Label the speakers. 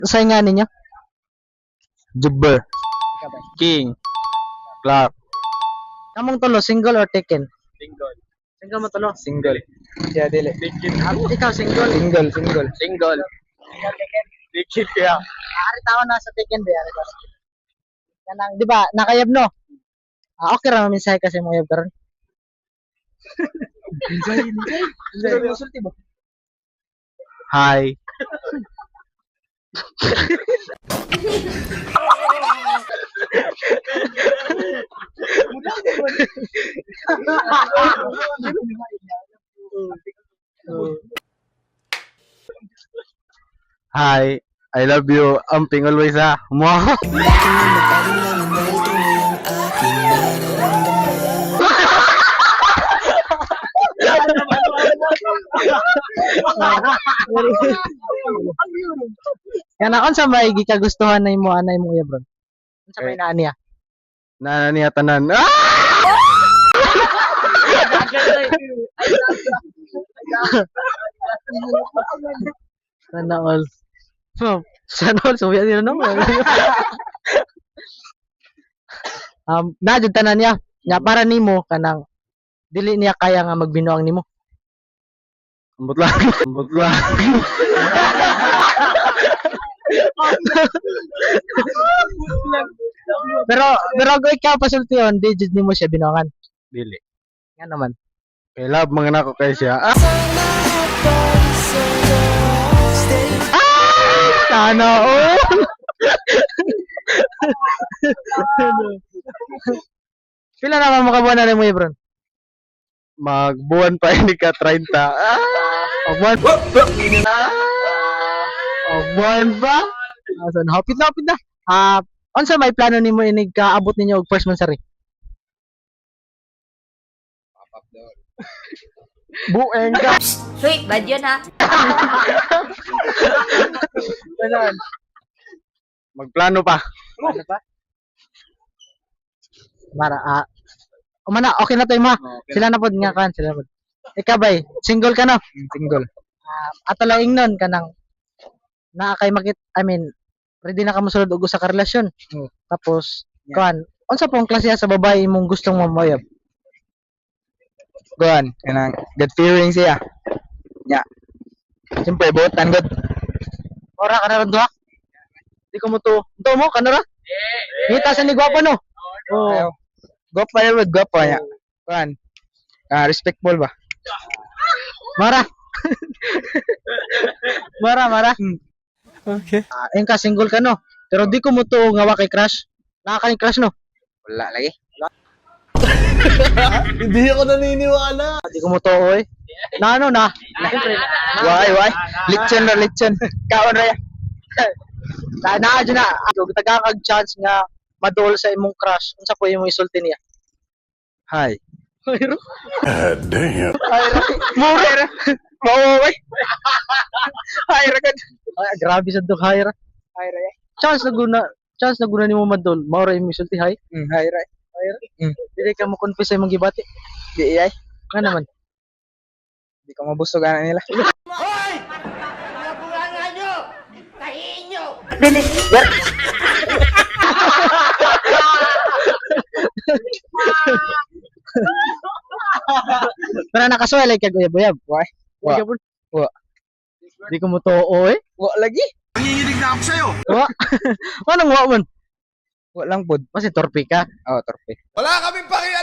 Speaker 1: Sa nga ninyo?
Speaker 2: Jubber. King. Clark.
Speaker 1: Kamong tulo, single or taken?
Speaker 2: Single.
Speaker 1: Single mo tulo.
Speaker 2: Single. Siya dili.
Speaker 1: Ikaw single.
Speaker 2: Single. Dikit kaya.
Speaker 1: Ari tao na sa taken ba? Kanang, di ba, nakayab no? Okay ra mensahe kasi mo yab karon.
Speaker 2: Hi. Hi. I love you. Amping always ha. Mo.
Speaker 1: Kana unsa may gikagustuhan na imo anay mo yab ron? Unsa may naa niya?
Speaker 2: Na niya tanan. Ah!
Speaker 1: Sana all. So, sana all so yan no. Najud tanan niya. Nya para nimo kanang dili niya kaya nga magbinuang nimo.
Speaker 2: Ambot lang. Ambot lang.
Speaker 1: pero go ikaw pasultiyon, di jud nimo siya binuangan.
Speaker 2: Dili.
Speaker 1: Nga naman.
Speaker 2: Kay love mga nako kay siya. Ah!
Speaker 1: Sana all. Pila naman makabuan na mo Ebron?
Speaker 2: Magbuwan pa ini ka 30. Ah!
Speaker 1: Magbuan. Magbuan ba? Asan hapit na. Unsa may plano nimo inig kaabot ninyo og first month sari?
Speaker 2: Bueng ka.
Speaker 3: Hoy, bad yun ha.
Speaker 1: Ganon.
Speaker 2: Magplano pa.
Speaker 1: Ano pa? Umana, okay na to ma. Sila na pod nga kan, sila pod. Ikaw bay, single ka no?
Speaker 2: Single.
Speaker 1: Ato lang ingnon kanang naa kay ready na ka mosulod og usa ka relasyon. Tapos kan, unsa pong klase sa babae imong gustong mamayab?
Speaker 2: Kuan, kanang good feeling siya. Nya. Siyempre buotan gud.
Speaker 1: Ora ka na ron duha? Di ko mo to. Ito mo, kanara? Ngita sa ni gwapo no?
Speaker 2: Oh. Gwapo ya, gwapo ya. Kuan. Respectful ba?
Speaker 1: Mara. Mara.
Speaker 2: Okay.
Speaker 1: Ayun ka, single ka no? Pero di ko mo to nga wa kay crush. Naka kay crush no?
Speaker 2: Wala lagi.
Speaker 4: Hindi ako naniniwala.
Speaker 1: Di ko mo to oy. Na ano na?
Speaker 2: Why? Litson. Kaon ra ya.
Speaker 1: Na dyan na. Tagakag chance nga madol sa imong crush. Unsa po imong isulti niya?
Speaker 2: Hi.
Speaker 4: God damn.
Speaker 1: Mura.
Speaker 2: Mawaway. Hi ra gud.
Speaker 1: Ay, grabe sa dog hayra.
Speaker 2: Hi ra ya.
Speaker 1: Chance na guna nimo madol. Mao ra imong isulti hay.
Speaker 2: Hi ra.
Speaker 1: Hayra. Dili ka mo confess sa imong gibati.
Speaker 2: Di ay.
Speaker 1: Nga naman.
Speaker 2: Di ka mabusog ana nila.
Speaker 1: Pero nakasuway like kag uyab-uyab.
Speaker 2: Why?
Speaker 1: Wa.
Speaker 2: Wa.
Speaker 1: Di ko mo to oy.
Speaker 2: Wa lagi.
Speaker 1: Wa. Anong wa man?
Speaker 2: Wa lang pod.
Speaker 1: Kasi torpe ka.
Speaker 2: Oh, torpe.
Speaker 4: Wala kaming pakialam.